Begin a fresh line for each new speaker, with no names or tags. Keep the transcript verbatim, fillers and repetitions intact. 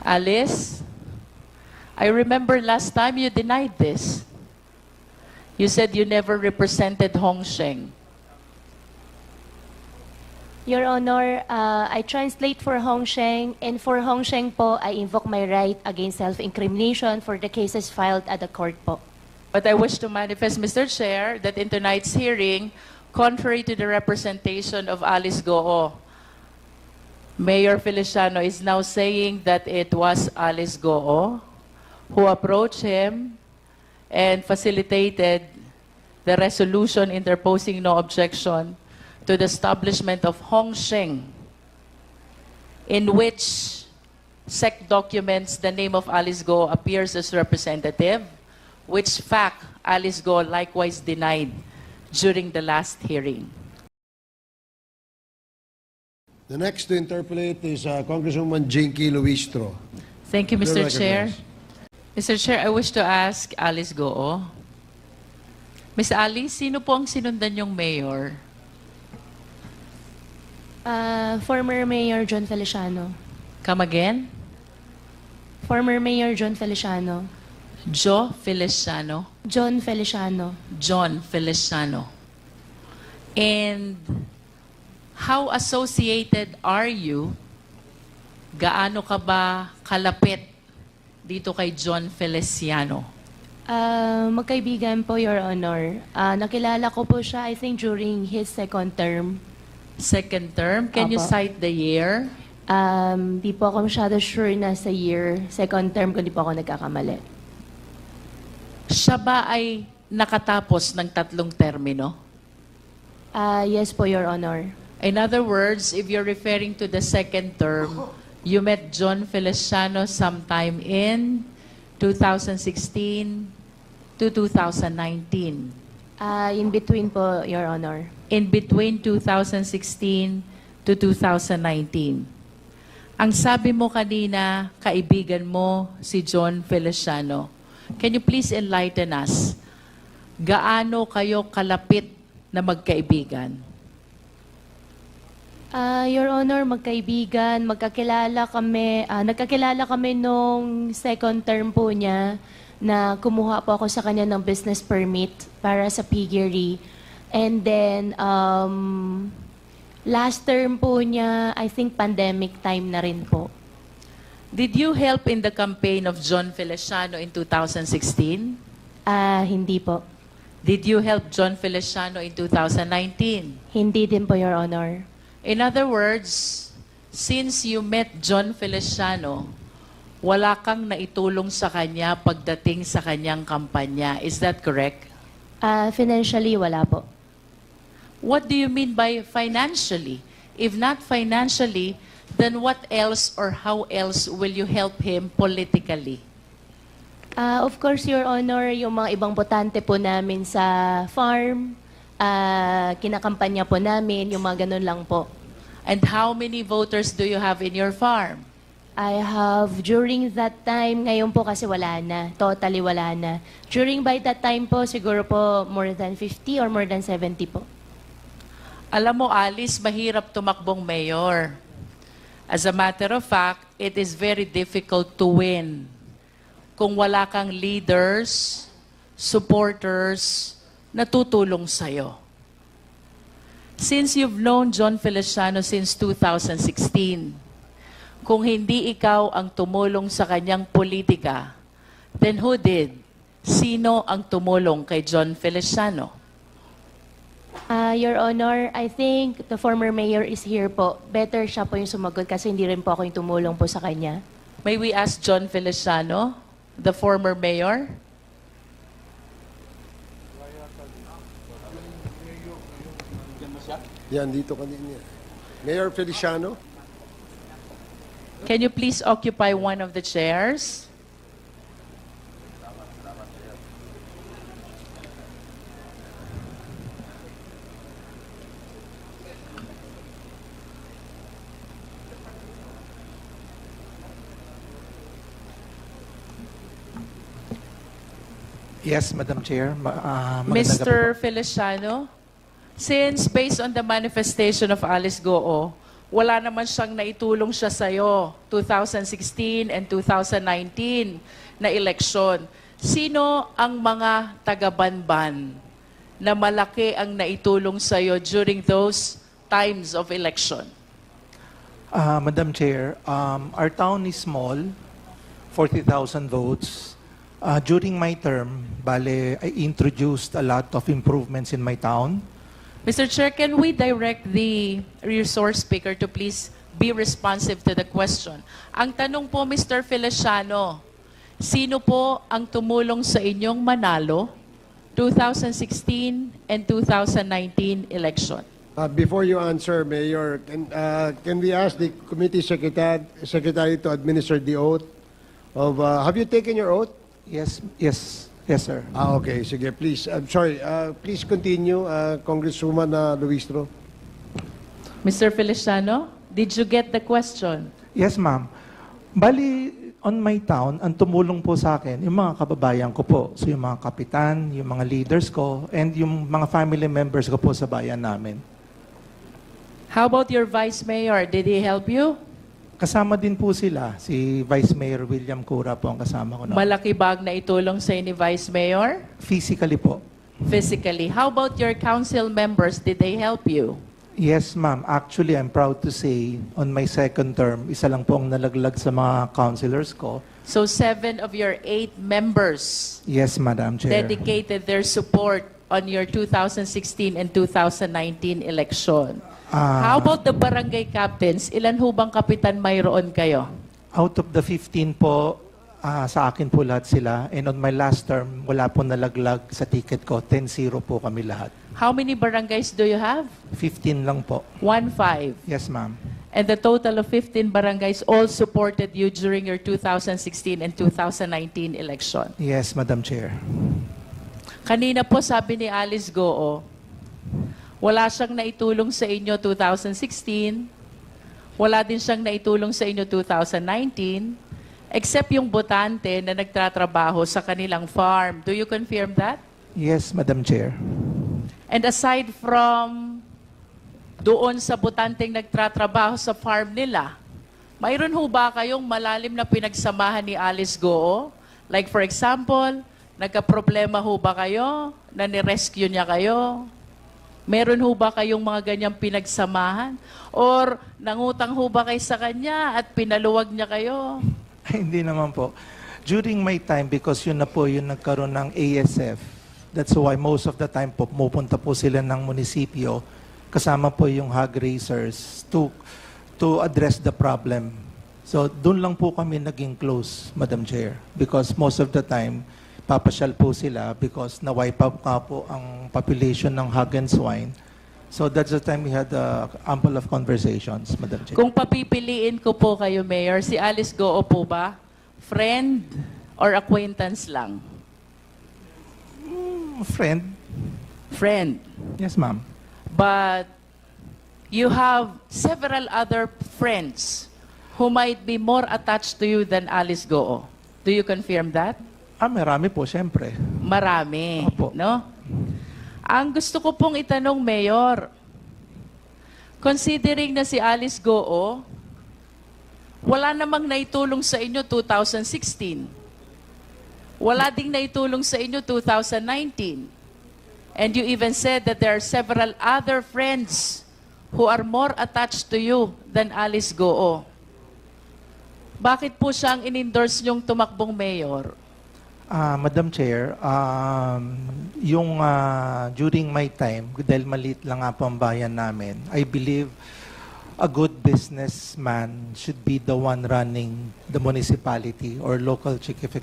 Alice, I remember last time you denied this. You said you never represented Hong Sheng.
Your Honor, uh, I translate for Hong Sheng, and for Hong Sheng po, I invoke my right against self-incrimination for the cases filed at the court po.
But I wish to manifest, Mister Chair, that in tonight's hearing, contrary to the representation of Alice Goo, Mayor Feliciano is now saying that it was Alice Goo who approached him and facilitated the resolution interposing no objection to the establishment of Hong Sheng, in which S E C documents the name of Alice Goo appears as representative, which fact Alice Goo likewise denied during the last hearing.
The next to interpolate is uh, Congresswoman Jinky Luistro.
Thank you, Mister
You're
Chair.
recognized.
Mister Chair, I wish to ask Alice Goo. Miss Alice, sino po ang sinundan yung mayor?
Uh, former Mayor John Feliciano.
Come again?
Former Mayor John Feliciano.
Joe Feliciano.
John Feliciano.
John Feliciano. And how associated are you? Gaano ka ba kalapit dito kay John Feliciano?
Uh, magkaibigan po, Your Honor. Uh, nakilala ko po siya, I think, during his second term.
Second term, can you
Apo.
cite the year?
Um, di po ako masyado sure na sa year. Second term, kung di po ako nagkakamali.
Siya ba ay nakatapos ng tatlong termino?
Uh, yes po, Your Honor.
In other words, if you're referring to the second term, you met John Feliciano sometime in two thousand sixteen to two thousand nineteen.
Uh, in between po, Your Honor.
In between two thousand sixteen to two thousand nineteen. Ang sabi mo kanina, kaibigan mo si John Feliciano. Can you please enlighten us? Gaano kayo kalapit na magkaibigan?
Uh, Your Honor, magkaibigan, magkakilala kami, uh, nagkakilala kami nung second term po niya na kumuha po ako sa kanya ng business permit para sa piggery. And then, um, last term po niya, I think pandemic time na rin po.
Did you help in the campaign of John Feliciano in two thousand sixteen?
Ah, hindi po.
Did you help John Feliciano in two thousand nineteen?
Hindi din po, Your Honor.
In other words, since you met John Feliciano, wala kang naitulong sa kanya pagdating sa kanyang kampanya. Is that correct?
Ah, financially, wala po.
What do you mean by financially? If not financially, then what else or how else will you help him politically?
Ah, of course, Your Honor, yung mga ibang botante po namin sa farm, ah, kinakampanya po namin, yung mga ganun lang po.
And how many voters do you have in your farm?
I have, during that time, ngayon po kasi wala na, totally wala na. During by that time po, siguro po more than fifty or more than seventy po.
Alam mo, Alice, mahirap tumakbong mayor. As a matter of fact, it is very difficult to win kung wala kang leaders, supporters, na tutulong sa'yo. Since you've known John Feliciano since two thousand sixteen, kung hindi ikaw ang tumulong sa kanyang politika, then who did? Sino ang tumulong kay John Feliciano?
Ah, Your Honor, I think the former mayor is here po. Better siya po yung sumagot kasi hindi rin po ako yung tumulong po sa kanya.
May we ask John Feliciano, the former mayor?
Yan, dito kanina. Mayor Feliciano.
Can you please occupy one of the chairs?
Yes, Madam Chair. Ma- ah, magandang gabi
Mister
po.
Feliciano, since based on the manifestation of Alice Goo, wala naman siyang naitulong siya sa'yo, two thousand sixteen and two thousand nineteen na eleksyon. Sino ang mga taga-Banban na malaki ang naitulong sa'yo during those times of election?
Uh, Madam Chair, um, our town is small, forty thousand votes. Uh, during my term, bale, I introduced a lot of improvements in my town.
Mister Chair, can we direct the resource speaker to please be responsive to the question? Ang tanong po, Mister Feliciano, sino po ang tumulong sa inyong manalo two thousand sixteen and two thousand nineteen election?
Uh, before you answer, Mayor, can, uh, can we ask the committee secretary, secretary to administer the oath of, uh, have you taken your oath?
Yes, yes, yes, sir.
Ah, okay. Sige, please. I'm sorry. Uh, please continue, uh, Congresswoman uh, Luistro.
Mister Feliciano, did you get the question?
Yes, ma'am. Bali, on my town, ang tumulong po sa akin, yung mga kababayan ko po. So yung mga kapitan, yung mga leaders ko, and yung mga family members ko po sa bayan namin.
How about your vice mayor? Did he help you?
Kasama din po sila. Si Vice Mayor William Cura po ang kasama ko. noon.
Malaki bag na itulong sa ni vice mayor?
Physically po.
Physically. How about your council members? Did they help you?
Yes, ma'am. Actually, I'm proud to say, on my second term, isa lang po ang nalaglag sa mga councilors ko.
So seven of your eight members
Yes, Madam Chair.
dedicated their support on your two thousand sixteen and two thousand nineteen election.
Ah,
How about the barangay captains? Ilan ho bang kapitan mayroon kayo?
Out of the fifteen po, ah, sa akin po lahat sila. And on my last term, wala po nalaglag sa ticket ko. ten zero po kami lahat.
How many barangays do you have?
fifteen lang po.
One five.
Yes, ma'am.
And the total of fifteen barangays all supported you during your two thousand sixteen and two thousand nineteen election.
Yes, Madam Chair.
Kanina po sabi ni Alice Goo, wala siyang naitulong sa inyo two thousand sixteen, wala din siyang naitulong sa inyo two thousand nineteen, except yung botante na nagtatrabaho sa kanilang farm. Do you confirm that?
Yes, Madam Chair.
And aside from doon sa botanteng nagtatrabaho sa farm nila, mayroon ho ba kayong malalim na pinagsamahan ni Alice Goo? Like for example, nagka-problema ho ba kayo na ni-rescue niya kayo? Meron ho ba kayong mga ganyang pinagsamahan? Or nangutang ho ba kayo sa kanya at pinaluwag niya kayo?
Ay, hindi naman po. During my time, because yun na po yung nagkaroon ng A S F, that's why most of the time po, pumupunta po sila ng munisipyo, kasama po yung hog raisers to, to address the problem. So, doon lang po kami naging close, Madam Chair. Because most of the time, papasyal po sila because na-wipe out nga po ang population ng hog and swine. So that's the time we had uh, ample of conversations, Madam Chair.
Kung papipiliin ko po kayo, Mayor, si Alice Goo po ba? Friend or acquaintance lang?
Mm, friend?
Friend.
Yes, ma'am.
But you have several other friends who might be more attached to you than Alice Goo. Do you confirm that?
Ah, marami po, siyempre.
Marami,
Opo.
no? Ang gusto ko pong itanong, Mayor, considering na si Alice Goo, wala namang naitulong sa inyo two thousand sixteen. Wala ding naitulong sa inyo two thousand nineteen. And you even said that there are several other friends who are more attached to you than Alice Goo. Bakit po siyang in-endorse niyong tumakbong mayor?
Ah, Madam Chair, um, yung ah, during my time, dahil maliit lang nga po ang bayan namin, I believe a good businessman should be the one running the municipality or local chief